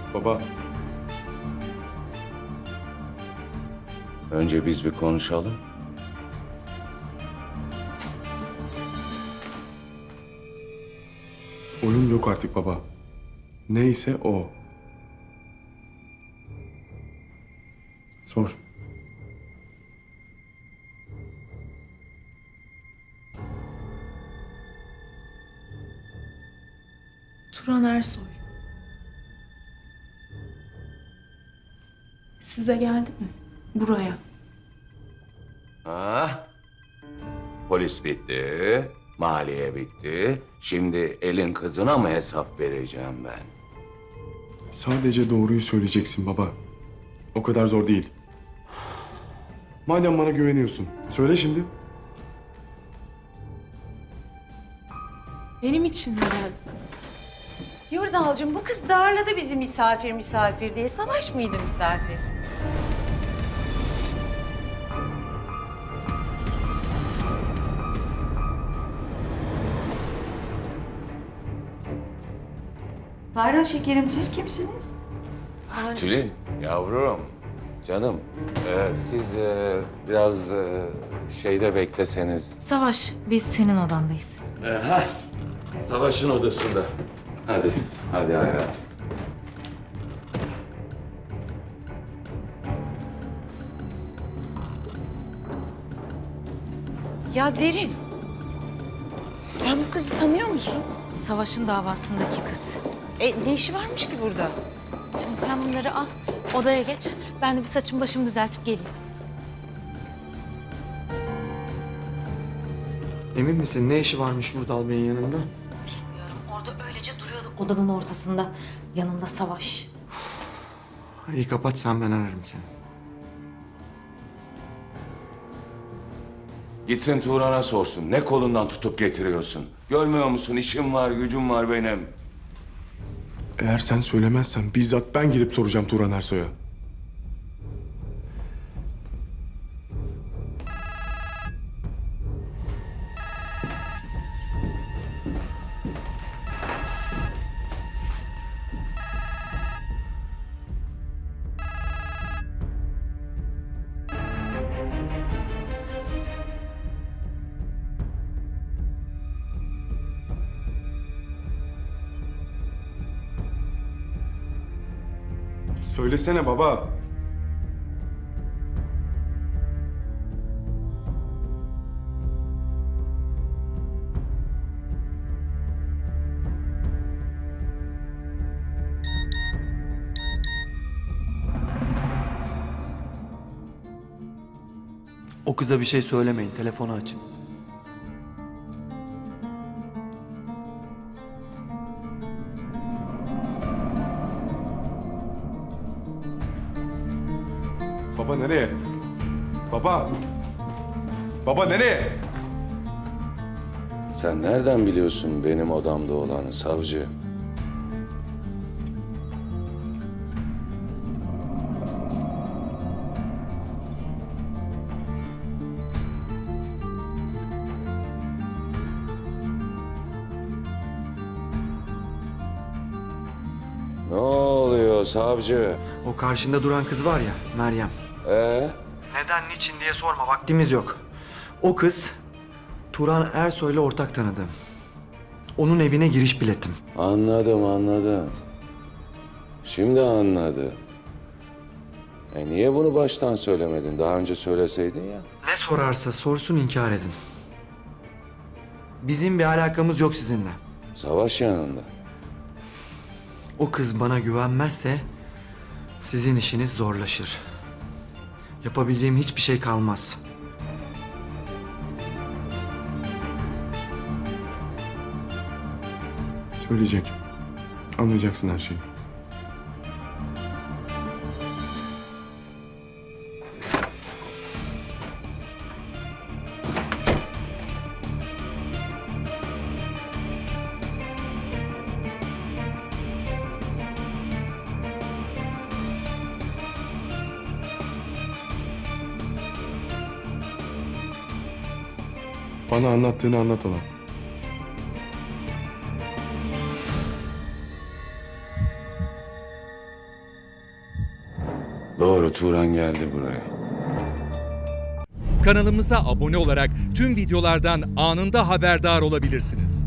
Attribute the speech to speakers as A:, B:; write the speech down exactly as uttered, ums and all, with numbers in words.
A: Baba.
B: Önce biz bir konuşalım.
A: Oyun yok artık baba. Neyse o. Sor.
C: Turan Ersoy. Size geldi mi? Buraya.
B: Ha? Polis bitti, maliye bitti. Şimdi elin kızına mı hesap vereceğim ben?
A: Sadece doğruyu söyleyeceksin baba. O kadar zor değil. Madem bana güveniyorsun, söyle şimdi.
C: Benim için mi geldin?
D: Yurdalcığım bu kız darladı bizi misafir misafir diye. Savaş mıydı misafir? Pardon şekerim, siz kimsiniz?
B: Tülin, yavrum, canım. e, siz e, biraz e, şeyde bekleseniz.
E: Savaş, biz senin odandayız.
B: E, heh, Savaş'ın odasında. Hadi, hadi hayatım.
D: Ya Derin, sen bu kızı tanıyor musun?
E: Savaş'ın davasındaki kız.
D: E ne işi varmış ki burada?
E: Tülin sen bunları al, odaya geç. Ben de bir saçımı başımı düzeltip geleyim.
F: Emin misin ne işi varmış Vurdal Bey'in yanında?
E: Bilmiyorum, orada öylece duruyordu odanın ortasında. Yanında Savaş.
F: İyi kapat sen, ben ararım seni.
B: Gitsin Turan'a sorsun. Ne kolundan tutup getiriyorsun? Görmüyor musun? İşim var, gücüm var benim.
A: Eğer sen söylemezsen bizzat ben gidip soracağım Turan Ersoy'a. Söylesene baba.
F: O kıza bir şey söylemeyin, telefonu açın.
A: Baba nereye? Baba. Baba nereye?
B: Sen nereden biliyorsun benim odamda olanı savcı? Ne oluyor savcı?
F: O karşında duran kız var ya, Meryem.
B: Ee?
F: Neden, niçin diye sorma, vaktimiz yok. O kız, Turan Ersoy'la ortak tanıdı. Onun evine giriş biletim.
B: Anladım, anladım. Şimdi anladım. E niye bunu baştan söylemedin? Daha önce söyleseydin ya.
F: Ne sorarsa sorsun inkar edin. Bizim bir alakamız yok sizinle.
B: Savaş yanında.
F: O kız bana güvenmezse sizin işiniz zorlaşır. Yapabileceğim hiçbir şey kalmaz.
A: Söyleyecek. Anlayacaksın her şeyi. Bana anlattığını anlat ona.
B: Doğru, Turan geldi buraya.
G: Kanalımıza abone olarak tüm videolardan anında haberdar olabilirsiniz.